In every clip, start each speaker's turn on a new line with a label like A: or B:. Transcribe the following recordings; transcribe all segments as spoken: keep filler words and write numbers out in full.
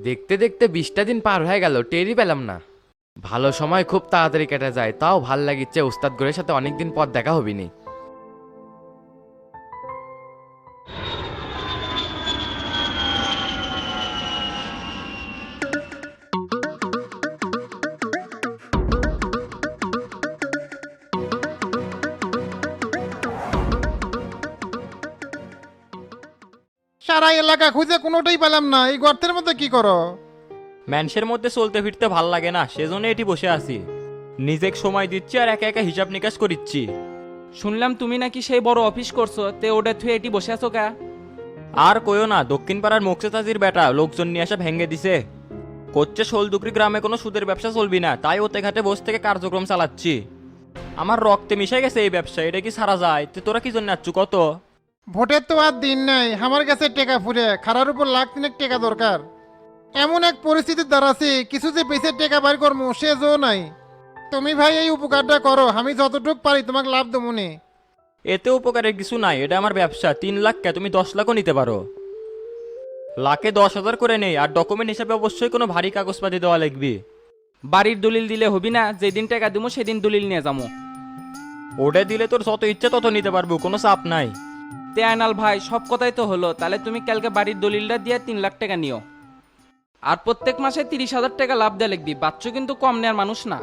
A: দেখতে দেখতে বিশটা দিন পার হয়ে গেল, টেরই পেলাম না। ভালো সময় খুব তাড়াতাড়ি কেটে যায়, তাও ভাল লাগিচ্ছে উস্তাদ গরের সাথে অনেকদিন পর দেখা হবিনি।
B: সারা এলাকা খুঁজে কোনোটাই পেলাম না, এই গর্তের মধ্যে কি করো?
C: ম্যানসের মধ্যে চলতে ফিরতে ভাল লাগে না, সেজন্য এটি বসে আছি। নিজেকে সময় দিচ্ছি আর একা একা হিসাব নিকাশ করিচ্ছি।
D: শুনলাম তুমি নাকি সেই বড় অফিস করছো, তে ওটা থুয়ে এটি বসে আছো কা?
C: আর কইও না, দক্ষিণ পাড়ার মোকসেতাজির বেটা লোকজন নিয়ে আসা ভেঙে দিছে। করছে শোলদুকরি গ্রামে কোনো সুদের ব্যবসা চলবি না, তাই ওতে ঘাটে বসে থেকে কার্যক্রম চালাচ্ছি। আমার রক্তে মিশে গেছে এই ব্যবসা, এটা কি সারা যায়? তো তোরা কি জন্য আচ্ছু কত?
B: ভোটের তো আর দিন নাই, আমার কাছে টেকা ফুরে খারার উপর লাখ তিনেক টেকা দরকার। এমন এক পরিস্থিতির দ্বারাছি কিছু যে পেছে টেকা বাইর করবো সে জো নাই। তুমি ভাই এই উপকারটা করো, আমি যতটুক পারি তোমাকে লাভ দেবো নি।
C: এতে উপকারের কিছু নাই, এটা আমার ব্যবসা। তিন লাখ কে তুমি দশ লাখও নিতে পারো। লাখে দশ হাজার করে নেই, আর ডকুমেন্ট হিসাবে অবশ্যই কোনো ভারী কাগজপাতি দেওয়া লাগবে।
D: বাড়ির দলিল দিলে হবি না? যেদিন টাকা দিবো সেদিন দলিল নিয়ে যাবো।
C: ওটা দিলে তোর যত ইচ্ছে তত নিতে পারবো, কোনো চাপ নাই।
D: তে আয়নাল ভাই, সব কথাই তো হলো, তাহলে তুমি কালকে বাড়ির দলিলটা দিয়ে তিন লাখ টাকা নিও। আর প্রত্যেক মাসে তিরিশ হাজার টাকা লাভ দেয়া লিখবি, বাচ্চু কিন্তু কম নেয়ার মানুষ না।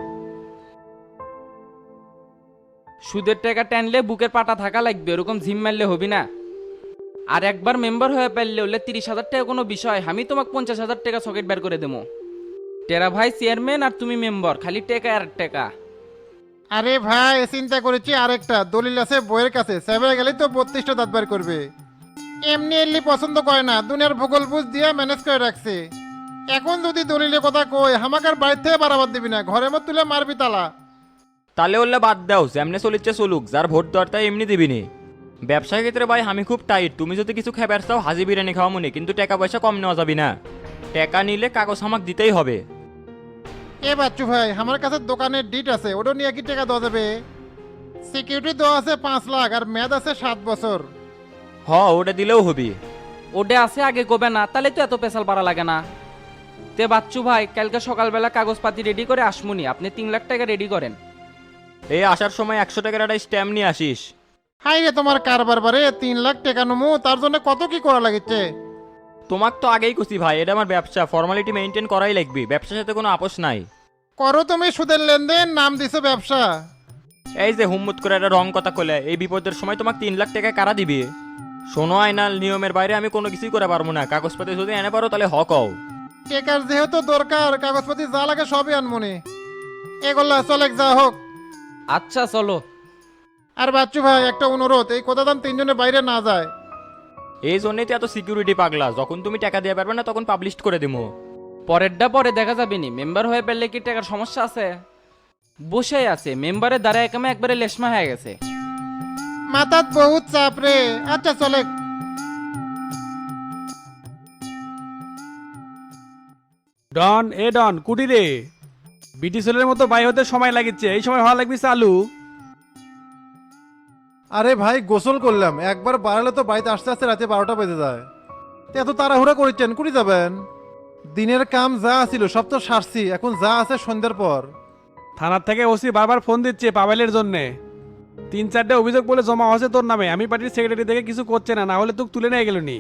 D: সুদের টাকা টানলে বুকের পাটা থাকা লাগবে, ওরকম ঝিম মারলে হবি না। আর একবার মেম্বার হয়ে পারলে হলে তিরিশ হাজার টাকা কোনো বিষয়, আমি তোমাকে পঞ্চাশ হাজার টাকা সকেট বের করে দেবো। টেরা ভাই চেয়ারম্যান আর তুমি মেম্বার, খালি টাকা আর টাকা।
B: আরে ভাই চিন্তা করেছি, আরেকটা দলিল আছে বইয়ের কাছে, সেভে গেলেই তো বত্রিশটা দাঁত বার করবে। এমনি এলি পছন্দ করে না, দুনিয়ার ভূগোল বুঝ দিয়ে ম্যানেজ করে রাখছে। এখন যদি দলিলের কথা কই আমাকে আর বাড়ির থেকে বাড়াবার দিবি না, ঘরের মধ্যে তুলে মারবি তালা।
C: তাহলে ওল্লা বাদ দাও, যেমনে চলিচ্ছে চলুক, যার ভোট দরটা এমনি দিবিনি। ব্যবসার ক্ষেত্রে ভাই আমি খুব টাইট, তুমি যদি কিছু খাবার চাও হাজি বিরিয়ানি খাওয়া মনে, কিন্তু টাকা পয়সা কম নেওয়া যাবি না। টাকা নিলে কাগজ আমাকে দিতেই হবে।
B: এ বাচ্চু ভাই, আমার কাছে দোকানের ডিট আছে, ওটা নিয়ে কি টাকা দেওয়া যাবে? সিকিউরিটি দেওয়া আছে পাঁচ লাখ আর মেয়াদ আছে সাত বছর।
C: হ, ওটা দিলেও হবি।
D: ওডে আছে আগে কবে না, তাহলে তো এত পেশাল পারা লাগে না। তে বাচ্চু ভাই, কালকে সকালবেলা কাগজপাতি রেডি করে আসমুনি, আপনি তিন লাখ টাকা রেডি করেন।
C: এই আসার সময় একশো টাকার একটা স্ট্যাম্প নিয়ে আসিস।
B: হাই রে তোমার কারবার বারে, তিন লাখ টাকা নমু, তার জন্য কত কি করা লাগিচ্ছে?
C: তোমাক তো আগেই কুছি ভাই, এটা আমার ব্যবসা, ফর্মালিটি মেনটেন করাই লাগবে, ব্যবসার সাথে কোনো আপোষ নাই।
B: করো তুমি সুদের লেনদেন, নাম দিছো ব্যবসা।
C: এই যে হুম্মুত করে একটা রং কথা কলে, এই বিপদের সময় তোমাকে তিন লাখ টাকা কারা দিবে? শোনো আইনাল, নিয়মের বাইরে আমি কোনো কিছুই করে পারবো না, কাগজপাতি যদি এনে পারো তাহলে হক হও।
B: টেকার যেহেতু দরকার, কাগজপাতি যা লাগে সবই আনমনি। এগুলা চলে যা হোক।
D: আচ্ছা চলো।
B: আর বাচ্চু ভাই একটা অনুরোধ, এই কথা দাম তিনজনের বাইরে না যায়।
C: এই জন্যই তো এত সিকিউরিটি পাগলা, যখন তুমি টাকা দিয়ে পারবে না তখন পাবলিশ করে দিবো।
D: পরেরটা পরে দেখা যাবে নি, মেম্বার হয়ে পেলে কি টাকার সমস্যা আছে? বসে আছে মেম্বারের দ্বারা একামে একবারে লেশমা হয়ে গেছে।
B: মাথাত বহুত চাপ রে। আচ্ছা চলে।
E: ডন এ ডন কুটি রে, বিটি ছেলের মতো বাই হতে সময় লাগিচ্ছে, এই সময় হওয়া লাগবে চালু।
F: আরে ভাই গোসল করলাম, একবার বাড়ালে তো বাড়িতে আসতে আসতে রাতে বারোটা বেজে যায়। তো এত তাড়াহুড়া করেছেন, কুড়ি যাবেন? দিনের কাম যা ছিল সব তো সারছি, এখন যা আছে সন্ধ্যার পর।
E: থানার থেকে ওসি বারবার ফোন দিচ্ছে পাবেলের জন্যে। তিন চারটে অভিযোগ বলে জমা হয়েছে তোর নামে, আমি পার্টির সেক্রেটারি থেকে কিছু করছে না, না হলে তোকে তুলে নিয়ে গেল নি।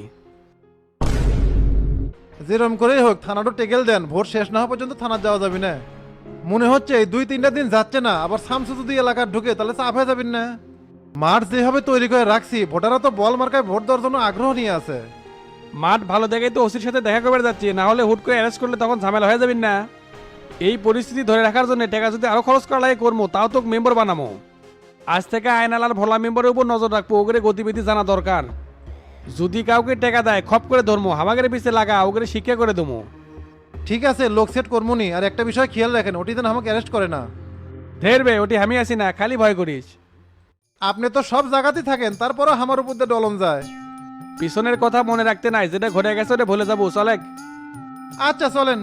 F: যেরম করেই হোক থানাটা টেকেল দেন, ভোট শেষ না হওয়া পর্যন্ত থানা যাওয়া যাবে না। মনে হচ্ছে এই দুই তিনটা দিন যাচ্ছে না, আবার সামসু যদি এলাকার ঢুকে তাহলে চাপ হয়ে যাবেন না। মাঠ যেভাবে তৈরি করে রাখছি, ভোটাররা তো বল মার্কায় ভোট দেওয়ার জন্য আগ্রহ নিয়ে আছে।
E: মাঠ ভালো দেখেই তো ওসির সাথে দেখা করে যাচ্ছি, না হলে হুট করে অ্যারেস্ট করলে তখন ঝামেলা হয়ে যাবেন না। এই পরিস্থিতি ধরে রাখার জন্য টাকা যদি আরো খরচ করা লাগে করবো, তাও তোকে মেম্বার বানাবো। আজ থেকে আয়নাল আর ভোলা মেম্বারের উপর নজর রাখবো, ওগরে গতিবিধি জানা দরকার। যদি কাউকে টাকা দেয় খপ করে ধরবো, হামাগের পিছিয়ে লাগা ওগরে শিক্ষা করে দেবো।
F: ঠিক আছে, লোক সেট করমুনি। আর একটা বিষয় খেয়াল রাখেন, ওটি যেন আমাকে অ্যারেস্ট করে না।
E: ধেরবে ওটি আমি আসি না, খালি ভয় করিস।
F: আপনি তো সব জায়গাতেই থাকেন, তারপরও আমার উপর দিয়ে ডলন যায়।
E: পিছনের কথা মনে রাখতে নাই, যেটা ঘটে গেছে ওটা ভুলে যাবো, চলে।
F: আচ্ছা চলেন।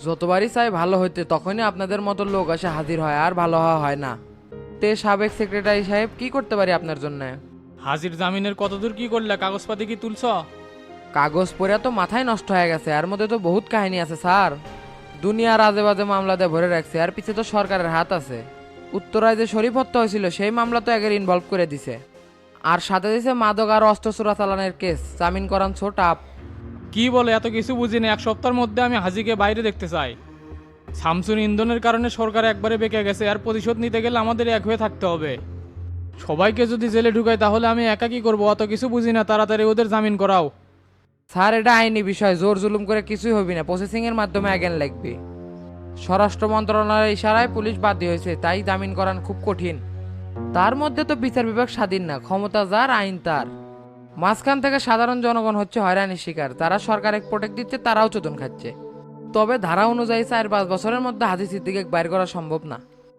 A: যতবারই চাই ভালো হইতে তখনই আপনাদের মতো লোক এসে হাজির হয় আর ভালো হওয়া হয় না। তে সাবেক সেক্রেটারি সাহেব কি করতে পারি আপনার জন্য?
G: হাজির জামিনের কতদূর কি করলে, কাগজপাতি কি তুলছ?
A: কাগজ পড়ে তো মাথায় নষ্ট হয়ে গেছে, এর মধ্যে তো বহুত কাহিনী আছে স্যার। দুনিয়ার আজে বাজে মামলাতে ভরে রাখছে, আর পিছে তো সরকারের হাত আছে। উত্তরায় যে শরীফ হত্যা হয়েছিল সেই মামলা তো একের ইনভলভ করে দিছে, আর সাথে দিছে মাদক আর অস্ত্র চোরাচালানের কেস, জামিন করান ছো টাপ।
G: কি বলে, এত কিছু বুঝি না। এক সপ্তাহের মধ্যে আমি হাজিকে বাইরে দেখতে চাই। শামসুন ইন্ধনের কারণে সরকার একবারে বেঁকে গেছে, আর প্রতিশোধ নিতে গেলে আমাদের এক হয়ে থাকতে হবে। সবাইকে যদি জেলে ঢুকাই তাহলে আমি একা কি করবো? অত কিছু বুঝি না, তাড়াতাড়ি ওদের জামিন করাও।
A: স্যার এটা আইনি বিষয়, জোর জুলুম করে কিছুই হবি না, প্রসেসিং এর মাধ্যমে আজ্ঞান লাগবে। স্বরাষ্ট্র মন্ত্রণালয়ের ইশারায় পুলিশ বাদী হয়েছে, তাই জামিন করান খুব কঠিন। তার মধ্যে তো বিচার বিভাগ স্বাধীন না, ক্ষমতা যার আইন তার। মাঝখান থেকে সাধারণ জনগণ হচ্ছে হয়রানির শিকার, যারা সরকার এক প্রোটেক্ট দিচ্ছে তারাও চোদন খাচ্ছে। তবে ধারা অনুযায়ী চার পাঁচ বছরের মধ্যে হাজি সিদ্দিকে বাইর করা সম্ভব না।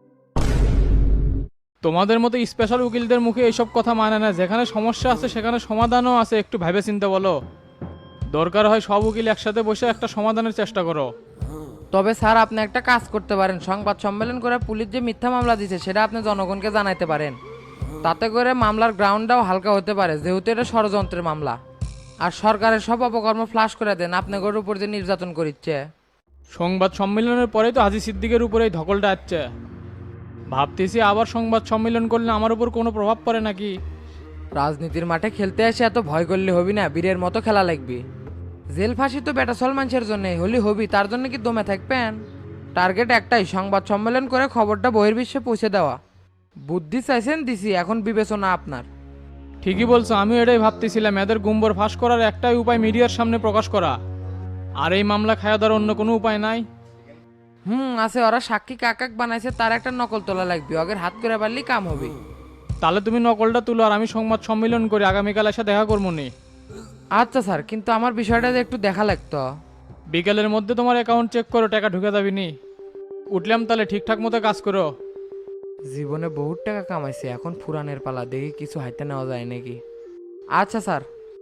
G: তোমাদের মতো স্পেশাল উকিলদের মুখে এইসব কথা মানে না। যেখানে সমস্যা আছে সেখানে সমাধানও আছে, একটু ভেবে চিন্তে বলো। দরকার হয় সব উকিল একসাথে বসে একটা সমাধানের চেষ্টা করো।
A: তবে স্যার আপনি একটা কাজ করতে পারেন, সংবাদ সম্মেলন করে পুলিশ যে মিথ্যা মামলা দিচ্ছে সেটা আপনি জনগণকে জানাইতে পারেন। তাতে করে মামলার গ্রাউন্ডটাও হালকা হতে পারে, যেহেতু এটা ষড়যন্ত্রের মামলা। আর সরকারের সব অপকর্ম ফ্লাশ করে দেন আপনাদের উপর যে নির্যাতন করিচ্ছে।
G: সংবাদ সম্মেলনের পরেই তো হাজি সিদ্দিকের উপরে এই ধকলটা আসছে। ভাবতেছি আবার সংবাদ সম্মেলন করলে আমার উপর কোনো প্রভাব পড়ে নাকি।
A: রাজনীতির মাঠে খেলতে এসে এত ভয় করলে হবি না, বীরের মতো খেলা লাগবে। জেল ফাঁসি তো বেটা সলমানসের জন্য হলি হবি, তার জন্য কি দমে থাকবেন? টার্গেট একটাই, সংবাদ সম্মেলন করে খবরটা বহির্বিশ্বে পৌঁছে দেওয়া। বুদ্ধি চাইছেন দিছি, এখন বিবেচনা আপনার।
G: ঠিকই বলছো, আমিও এটাই ভাবতেছিলাম। এদের গুম্বর ফাঁস করার একটাই উপায় মিডিয়ার সামনে প্রকাশ করা। আর এই মামলা খাওয়া দেওয়ার অন্য কোনো উপায় নাই।
A: হুম আছে, ওরা সাক্ষী কাকাক বানাইছে, তার একটা নকল তোলা লাগবে, আগের হাত করে পারলি কাম হবে।
G: তাহলে তুমি নকলটা তুলো আর আমি সংবাদ সম্মেলন করি, আগামীকাল এসে দেখা করবো নি।
A: আচ্ছা স্যার, কিন্তু আমার বিষয়টা যে একটু দেখা লাগতো।
G: বিকেলের মধ্যে তোমার অ্যাকাউন্ট চেক করো, টাকা ঢুকে যাবি নি। উঠলাম তাহলে, ঠিকঠাক মতো কাজ করো।
A: জীবনে বহুত টাকা কামাইছে, এখন ফুরানের পালা, দেখি কিছু হাইতে নেওয়া যায় নাকি। আচ্ছা স্যার।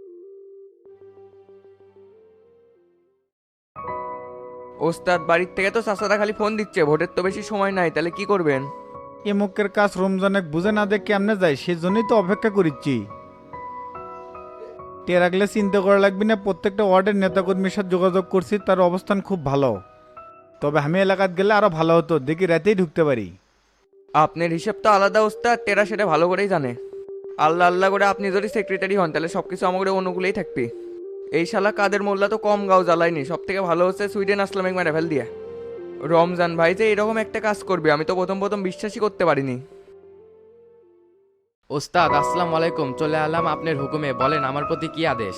H: ওস্তাদ বাড়ির থেকে তো চাচারা খালি ফোন দিচ্ছে, ভোটের তো বেশি সময় নাই, তাহলে কি করবেন?
B: এমুকের কাজ রমজানে বুঝে না দেখ কেমনে যায়, সেজন্যই তো অপেক্ষা করিচ্ছি। টের আগলে চিন্তা করা লাগবে না, প্রত্যেকটা ওয়ার্ডের নেতাকর্মীর সাথে যোগাযোগ করছি, তার অবস্থান খুব ভালো। তবে আমি এলাকাত গেলে আরো ভালো হতো, দেখি রাতেই ঢুকতে পারি।
H: আপনার হিসেব তো আলাদা ওস্তাদ, টেরা সেটা ভালো করেই জানে। আল্লাহ আল্লাহ করে আপনি যদি সেক্রেটারি হন তাহলে সবকিছু আমাদের অনুকূলেই থাকবে। এই শালা কাদের মোল্লা তো কম গাও জ্বালায়নি, সব থেকে ভালো হচ্ছে সুইডেন আসলামিক মেরে ফেল দিয়ে। রমজান ভাই যে এরকম একটা কাজ করবে আমি তো প্রথম প্রথম বিশ্বাসই করতে পারিনি।
A: ওস্তাদ আসসালামু আলাইকুম, চলে এলাম আপনার হুকুমে, বলেন আমার প্রতি কি আদেশ?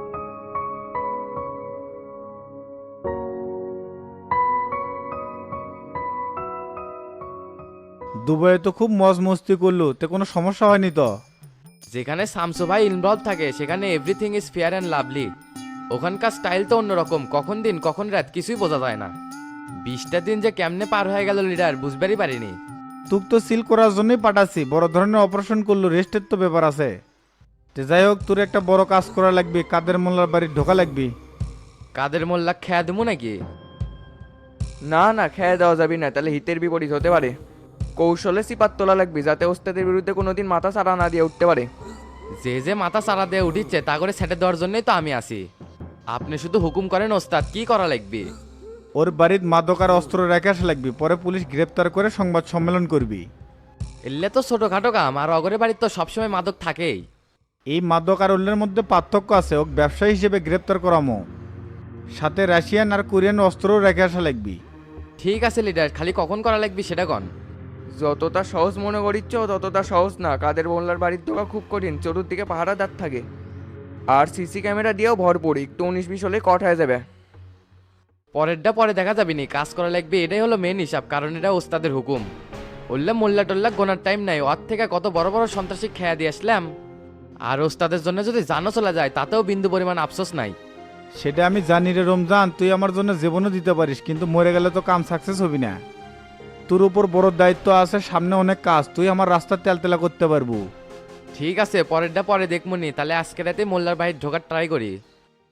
B: দুবাইয়ে তো খুব মজ মস্তি করলো, তে কোনো সমস্যা হয়নি তো?
A: যেখানে শামসু ভাই ইনভলভ থাকে সেখানে everything is fair and lovely. ওখানকার স্টাইল তো অন্যরকম, কখন দিন কখন রাত কিছুই বোঝা যায় না। বিশটা দিন যে কেমনে পার হয়ে গেল লিডার বুঝবারই পারিনি।
B: তুক তো সিল করার জন্যই পাঠাচ্ছি, বড় ধরনের অপারেশন করলো, রেস্টের তো ব্যাপার আছে। তে যাই হোক, তোর একটা বড় কাজ করা লাগবে, কাদের মোল্লার বাড়ি ঢোকা লাগবে।
A: কাদের মোল্লা খেয়া দেবো নাকি?
H: না না, খেয়ে দেওয়া যাবে না, তাহলে হিতের বিপরীত হতে পারে। কৌশলে সিপাত তোলা লাগবে যাতে ওস্তাদের বিরুদ্ধে কোনোদিন মাথা ছাড়া না দিয়ে উঠতে পারে।
A: যে যে মাথা চারা দিয়ে উঠিচ্ছে তা করে সেটে দেওয়ার জন্যই তো আমি আছি। আপনি শুধু হুকুম করেন ওস্তাদ, কি করা লাগবে?
B: ওর বাড়ির মাদক আর অস্ত্র রেখে আসা লাগবে, পরে পুলিশ গ্রেপ্তার করে সংবাদ সম্মেলন করবি।
A: এলে তো ছোটখাটো কাম, আর অগরে বাড়ির তো সবসময় মাদক থাকেই।
B: এই মাদক আর উল্লের মধ্যে পার্থক্য আছে, ওক ব্যবসায়ী হিসেবে গ্রেপ্তার করামো, সাথে রাশিয়ান আর কোরিয়ান অস্ত্রও রেখে আসা লাগবে।
A: ঠিক আছে লিডার, খালি কখন করা লাগবে সেটা কন।
H: যতটা সহজ মনে করিচ্ছ ততটা সহজ না, কাদের মোল্লার বাড়ির ঢোকা খুব কঠিন, চতুর্দিকে পাহারাদার থাকে। আর সিসি ক্যামেরা দিয়েও ভরপুর, একটু উনিশ বিশ হলে কট হয়ে যাবে।
A: পরেরটা পরে দেখা যাবে নি, কাজ করা লাগবে এটাই হলো মেন হিসাব, কারণ এটা ওস্তাদের হুকুম। বললাম মোল্লা টোল্লা গোনার টাইম নাই, ওর থেকে কত বড় বড় সন্ত্রাসী খেয়া দিয়ে আসলাম। আর ওস্তাদের জন্য যদি জানো চলে যায় তাতেও বিন্দু পরিমাণ আফসোস নাই।
B: সেটা আমি জানি রে রমজান, তুই আমার জন্য জীবনও দিতে পারিস, কিন্তু মরে গেলে তো কাম সাকসেস হবি না। তোর উপর বড় দায়িত্ব আছে, সামনে অনেক কাজ, তুই আমার রাস্তা তেলতেলা করতে পারবো।
A: ঠিক আছে, পরেরটা পরে দেখবো নি, তাহলে আজকে রাতে মোল্লার বাড়ির ঢোকার ট্রাই করি।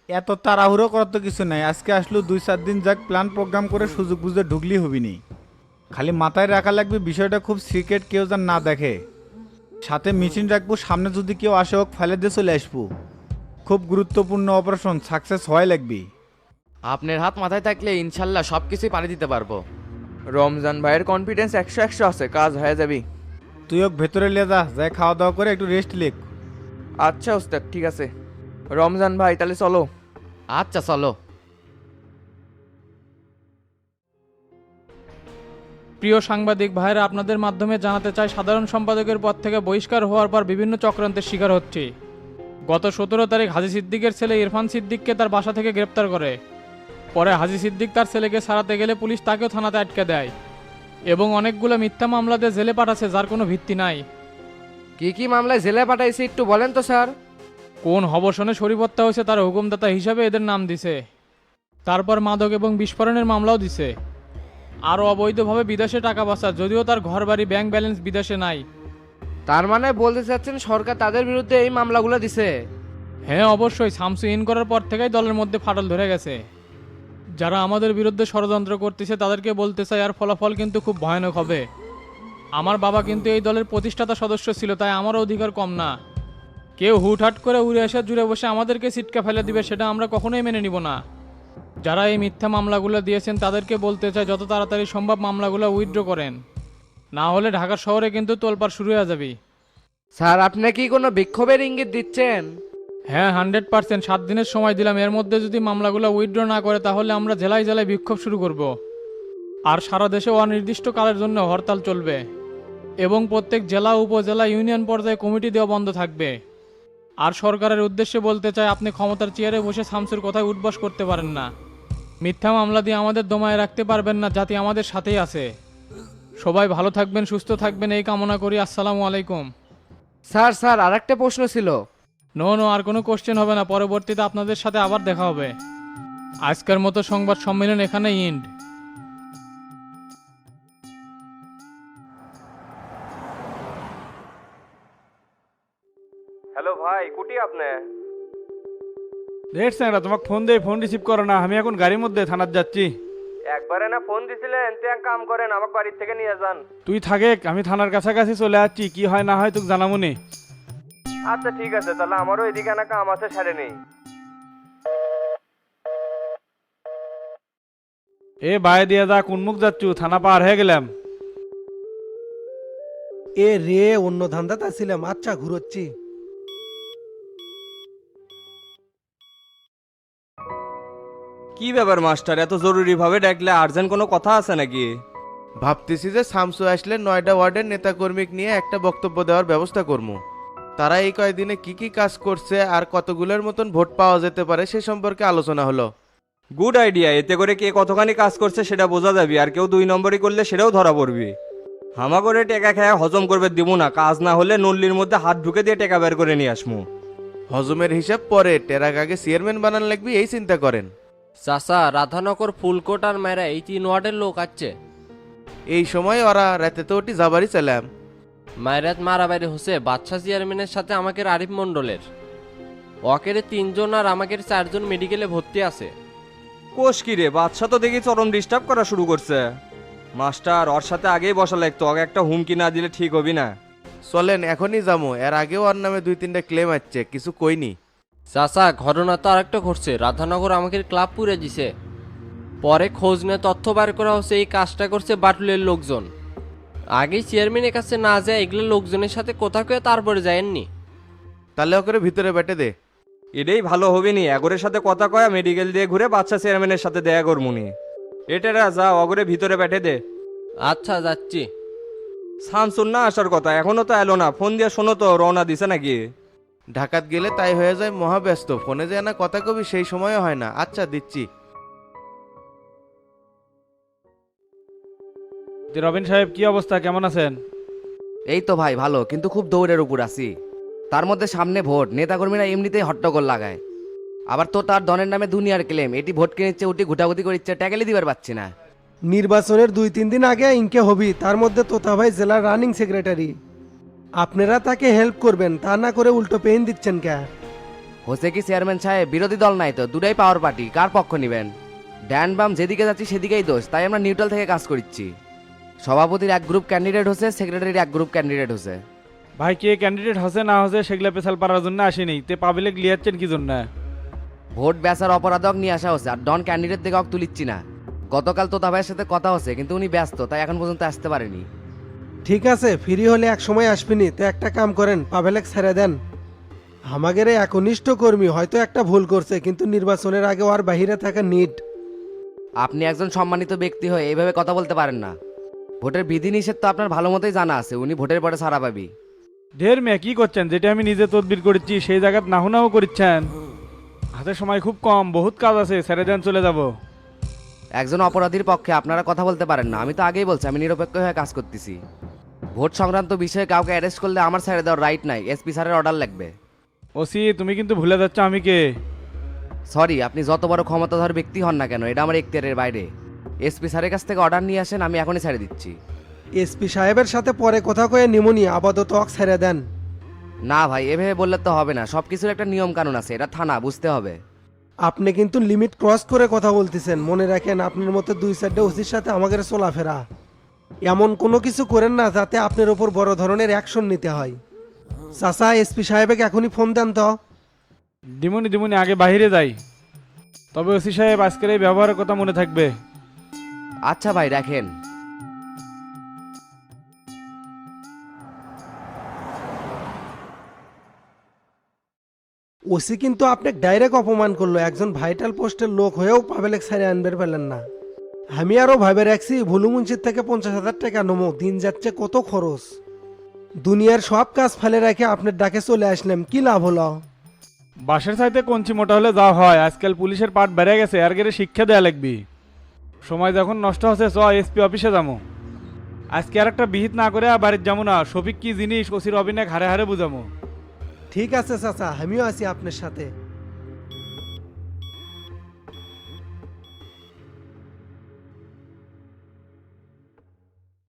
I: এত তাড়াহুড়ো করার তো কিছু নাই, আজকে আসলো দুই চার দিন যাক প্ল্যান প্রোগ্রাম করে সুযোগ বুঝে ঢুকলি হবিনি। খালি মাথায় রাখা লাগবে বিষয়টা খুব সিক্রেট, কেউ যেন না দেখে। সাথে মেশিন রাখবো, সামনে যদি কেউ আসে হোক ফেলে দিয়ে চলে আসবো। খুব গুরুত্বপূর্ণ অপারেশন, সাকসেস হয় লাগবি।
J: আপনার হাত মাথায় থাকলে ইনশাল্লাহ সব কিছুই পারি দিতে পারবো।
H: রমজান ভাইয়ের কনফিডেন্স একশো একশো আছে, কাজ হয়ে যাবি।
I: তুই হোক ভেতরে লিয়ে যা, যাই খাওয়া দাওয়া করে একটু রেস্ট লেখ।
H: আচ্ছা ওস্তাদ, ঠিক আছে। রমজান ভাই তাহলে চলো।
J: আচ্ছা চলো।
G: প্রিয় সাংবাদিক ভাইরা, আপনাদের মাধ্যমে জানাতে চাই সাধারণ সম্পাদকের পদ থেকে বহিষ্কার হওয়ার পর বিভিন্ন চক্রান্তের শিকার হচ্ছে। গত সতেরো তারিখ হাজি সিদ্দিকের ছেলে ইরফান সিদ্দিককে তার বাসা থেকে গ্রেপ্তার করে। পরে হাজি সিদ্দিক তার ছেলেকে ছাড়াতে গেলে পুলিশ তাকেও থানাতে আটকে দেয় এবং অনেকগুলো মিথ্যা মামলাতে জেলে পাঠাচ্ছে যার কোনো ভিত্তি নাই।
A: কি কি মামলায় জেলে পাঠাইছে একটু বলেন তো স্যার।
G: কোন হবসনে শরীফত্তা হয়েছে তার হুকুমদাতা হিসাবে এদের নাম দিছে। তারপর মাদক এবং বিস্ফোরণের মামলাও দিছে। আরও অবৈধভাবে বিদেশে টাকা পাচার, যদিও তার ঘর বাড়ি ব্যাংক ব্যালেন্স বিদেশে নাই।
A: তার মানে বলতে চাচ্ছেন সরকার তাদের বিরুদ্ধে এই মামলাগুলো দিছে?
G: হ্যাঁ অবশ্যই, শামসু ইন করার পর থেকেই দলের মধ্যে ফাটল ধরে গেছে। যারা আমাদের বিরুদ্ধে ষড়যন্ত্র করতেছে তাদেরকে বলতে চাই আর ফলাফল কিন্তু খুব ভয়ানক হবে। আমার বাবা কিন্তু এই দলের প্রতিষ্ঠাতা সদস্য ছিল, তাই আমারও অধিকার কম না। কেউ হুটহাট করে উড়ে এসে জুড়ে বসে আমাদেরকে সিটকা ফেলে দিবে, সেটা আমরা কখনোই মেনে নিব না। যারা এই মিথ্যা মামলাগুলো দিয়েছেন তাদেরকে বলতে চাই যত তাড়াতাড়ি সম্ভব মামলাগুলো উইথড্র করেন, না হলে ঢাকা শহরে কিন্তু তোলপাড় শুরু হয়ে যাবে।
A: স্যার আপনি কি কোনো বিক্ষোভের ইঙ্গিত দিচ্ছেন?
G: হ্যাঁ হান্ড্রেড পার্সেন্ট, সাত দিনের সময় দিলাম। এর মধ্যে যদি মামলাগুলো উইথড্র না করে তাহলে আমরা জেলায় জেলায় বিক্ষোভ শুরু করব। আর সারা দেশে অনির্দিষ্টকালের জন্য হরতাল চলবে এবং প্রত্যেক জেলা উপজেলা ইউনিয়ন পর্যায়ে কমিটি দেওয়া বন্ধ থাকবে। আর সরকারের উদ্দেশ্যে বলতে চাই, আপনি ক্ষমতার চেয়ারে বসে শামসুর কথায় উঠবস করতে পারেন না। মিথ্যা মামলা দিয়ে আমাদের দমায় রাখতে পারবেন না, জাতি আমাদের সাথেই আছে। সবাই ভালো থাকবেন, সুস্থ থাকবেন এই কামনা করি। আসসালামু আলাইকুম।
A: স্যার স্যার আরেকটা প্রশ্ন ছিল।
G: নো নো, আর কোনো কোশ্চেন হবে না, পরবর্তীতে আপনাদের সাথে আবার দেখা হবে। আজকের মতো সংবাদ সম্মেলন এখানে ইন্ড।
H: হ্যালো ভাই, কুটি আপনি?
E: রেট স্যাংরা তোমাকে ফোন দিয়ে ফোন রিসিভ করো না, আমি এখন গাড়ির মধ্যে থানার যাচ্ছি।
H: একবারে না ফোন দিছিলেন, তে এক কাম করেন আমাকে বাড়ির থেকে নিয়ে যান।
E: তুই থাকে, আমি থানার কাছাকাছি চলে যাচ্ছি, কি হয় না হয় তোকে জানাবো নি।
H: আচ্ছা ঠিক আছে, তাহলে আমারও এদিকে না কাম আছে, সারে নেই।
E: এ বাইরে দিয়ে যা, কোন মুখ যাচ্ছু? থানা পার হয়ে গেলাম।
K: এ রে, অন্য ধান্দাতে ছিলাম। আচ্ছা ঘুরোচ্ছি।
C: কি ব্যাপার মাস্টার, এত জরুরি ভাবে ডাকলে? আর্জেন্ট কোনো কথা আছে নাকি?
L: ভাবতেছি যে শামসু আসলে নয়টা ওয়ার্ডের নেতাকর্মী নিয়ে একটা বক্তব্য দেওয়ার ব্যবস্থা করবো। তারা এই কয়েকদিনে কি কি কাজ করছে আর কতগুলোর মতন ভোট পাওয়া যেতে পারে সে সম্পর্কে আলোচনা হলো।
C: গুড আইডিয়া, এতে করে কে কতখানি কাজ করছে সেটা বোঝা যাবে, আর কেউ দুই নম্বরই করলে সেটাও ধরা পড়বি। হামা করে টেকা খেয়ে হজম করবে দিব না, কাজ না হলে নল্লির মধ্যে হাত ঢুকে দিয়ে টেকা বের করে নিয়ে আসমু।
L: হজমের হিসাব পরে, টেরাক আগে চেয়ারম্যান বানান লাগবে এই চিন্তা করেন।
J: চাচা, রাধানগর ফুলকোট আর মেরা এই তিন ওয়ার্ডের লোক আছে।
L: এই সময় ওরা রাতে তো ওটি যাবারই চালাম।
J: মায়েরাত মারাবাড়ি হচ্ছে বাদশা চেয়ারম্যানের সাথে আমাকে আরিফ মন্ডলের। ওকের তিনজন আর আমাকে চারজন মেডিকেলে ভর্তি আছে।
C: কোষ কি রে, বাদশা তো দেখি চরম ডিস্টার্ব করা শুরু করছে। মাস্টার, ওর সাথে আগেই বসা লাগতো, ওকে একটা হুমকি না দিলে ঠিক হবি না।
L: চলেন এখনই যাবো, এর আগেও ওর নামে দুই তিনটা ক্লেম আছে, কিছু কইনি।
J: চাচা, ঘটনা তো আরেকটা ঘটছে। রাধানগর আমাকে ক্লাব পুড়ে দিছে। পরে খোঁজ নিয়ে তথ্য বার করা হচ্ছে এই কাজটা করছে বাটুলের লোকজন। আগেই চেয়ারম্যানের কাছে না যায় এগুলো লোকজনের সাথে কথা কয়ে তারপরে যায়নি।
L: তাহলে ওকে ভিতরে বেটে দে।
C: এটাই ভালো হবে নি, এগরের সাথে কথা কয়া মেডিকেল দিয়ে ঘুরে বাচ্চা চেয়ারম্যানের সাথে দেয়া করমুনি। এটারা যা, অগরে ভিতরে বেটে দে।
J: আচ্ছা যাচ্ছি।
C: শামসুন না আসার কথা, এখনো তো এলো না। ফোন দিয়ে শোনো তো, রওনা দিছে নাকি?
L: ঢাকাত গেলে তাই হয়ে যায় মহাব্যস্ত, ফোনে যে না কথা কবি সেই সময়ও হয় না। আচ্ছা দিচ্ছি।
E: রবিন সাহেব, কি অবস্থা, কেমন আছেন?
M: এই তো ভাই ভালো, কিন্তু খুব দৌড়ের উপর আছি। তার মধ্যে সামনে ভোট, নেতাকর্মীরা এমনিতেই হট্টগোল লাগায়। আবার তো তার দনের নামে দুনিয়ার ক্লেম, এটি ভোট কিনেছে ওটি ঘুটাঘুটি করিচ্ছে, ট্যাকেলে দিবার পাচ্ছি না।
K: নির্বাচনের দুই তিন দিন আগে ইনকে হবি, তার মধ্যে তোতা ভাই জেলার রানিং সেক্রেটারি। আপনারা তাকে হেল্প করবেন, তা না করে উল্টো পেইন দিচ্ছেন কে?
M: হোসে কি চেয়ারম্যান সাহেব? বিরোধী দল নাই তো, দুটাই পাওয়ার পার্টি, কার পক্ষ নেবেন? ড্যান বাম যেদিকে যাচ্ছি সেদিকেই দোষ, তাই আমরা নিউট্রাল থেকে কাজ করছি। সভাপতির এক গ্রুপ ক্যান্ডিডেট হচ্ছে, সেক্রেটারির এক গ্রুপ ক্যান্ডিডেট হচ্ছে।
E: ভাই কে ক্যান্ডিডেট হসে না হসে সেগুলা পেছাল পারার জন্য আসেনি, তে পাবলিক লিয়াচ্ছেন কি জন্য?
M: ভোট বেচার অপরাধক নিয়ে আসা হচ্ছে, আর ডন ক্যান্ডিডেট থেকে তুলিচ্ছি না। গতকাল তোতা ভাইয়ের সাথে কথা হচ্ছে, কিন্তু উনি ব্যস্ত, তাই এখন পর্যন্ত আসতে পারেনি।
K: ঠিক আছে, ফ্রি হলে এক সময় আসবিনি, তো একটা কাম করেন, পাবেলেক ছেড়ে দেন। আমাদের এই একনিষ্ঠ কর্মী হয়তো একটা ভুল করছে, কিন্তু নির্বাচনের আগে আর বাহিরে থাকা নিট।
M: আপনি একজন সম্মানিত ব্যক্তি হয়ে এইভাবে কথা বলতে পারেন না। ভোটের বিধিনিষেধ তো আপনার ভালো মতোই জানা আছে, উনি ভোটের পরে ছাড়া পাবি।
E: ঢের মেয়ে কি করছেন? যেটা আমি নিজে তদবির করেছি সেই জায়গাত নাহু নাহু করছেন। হাতে সময় খুব কম, বহুত কাজ আছে, ছেড়ে দেন, চলে যাব।
M: একজন অপরাধীর পক্ষে আপনারা কথা বলতে পারেন না, আমি তো আগেই বলছি আমি নিরপেক্ষ হয়ে কাজ করতেছি। ভোট সংক্রান্ত বিষয়ে কাউকে অ্যারেস্ট করলে আমার ছেড়ে দেওয়ার রাইট নাই, এসপি স্যারের অর্ডার লাগবে।
E: ওসি তুমি কিন্তু ভুলে যাচ্ছ আমি কে।
M: সরি, আপনি যত বড় ক্ষমতাধর ব্যক্তি হন না কেন, এটা আমার এখতিয়ারের বাইরে। এসপি স্যারের কাছ থেকে অর্ডার নিয়ে আসেন, আমি এখনই ছেড়ে দিচ্ছি।
K: এসপি সাহেবের সাথে পরে কথা কয়ে নিমুনি, আপাতত অক ছেড়ে দেন।
M: না ভাই, এভাবে বললে তো হবে না, সব কিছুর একটা নিয়ম কানুন আছে, এটা থানা, বুঝতে হবে।
K: আপনি কিন্তু লিমিট ক্রস করে কথা বলতেছেন, মনে রাখেন আপনার মতো দুই চারটে ওসির সাথে আমাদের চলাফেরা। এমন কোনো কিছু করেন না যাতে আপনার ওপর বড় ধরনের অ্যাকশন নিতে হয়। চাচা, এসপি সাহেবকে এখনই ফোন দেন তো।
E: দিমুনি দিমুনি, আগে বাইরে যাই। তবে ওসি সাহেব আজকের এই ব্যবহারের কথা মনে থাকবে।
M: আচ্ছা ভাই, রাখেন।
K: ওসি কিন্তু আপনাকে ডাইরেক্ট অপমান করলো, একজন ভাইটাল পোস্টের লোক হয়েও পাবেলেক সাইরে আনবে পেলেন না। আমি আরও ভাবে রাখছি ভুলুমুন্সির থেকে পঞ্চাশ হাজার টাকা নমো, দিন যাচ্ছে কত খরচ। দুনিয়ার সব কাজ ফেলে রেখে আপনার ডাকে চলে আসলাম, কি লাভ হলো?
E: বাসের চাইতে কঞ্চি মোটা হলে যা হয়, আজকাল পুলিশের পাট বেড়ে গেছে, আর গেলে শিক্ষা দেয়া লাগবি। সময় যখন নষ্ট হচ্ছে, চ এসপি অফিসে যাবো। আজকে আর একটা বিহিত না করে আর বাড়ির যাবো না, শফিক কি জিনিস ওসির অভিনয় হারে হারে বুঝামো।
K: ঠিক আছে চাচা, আমিও আছি আপনার সাথে।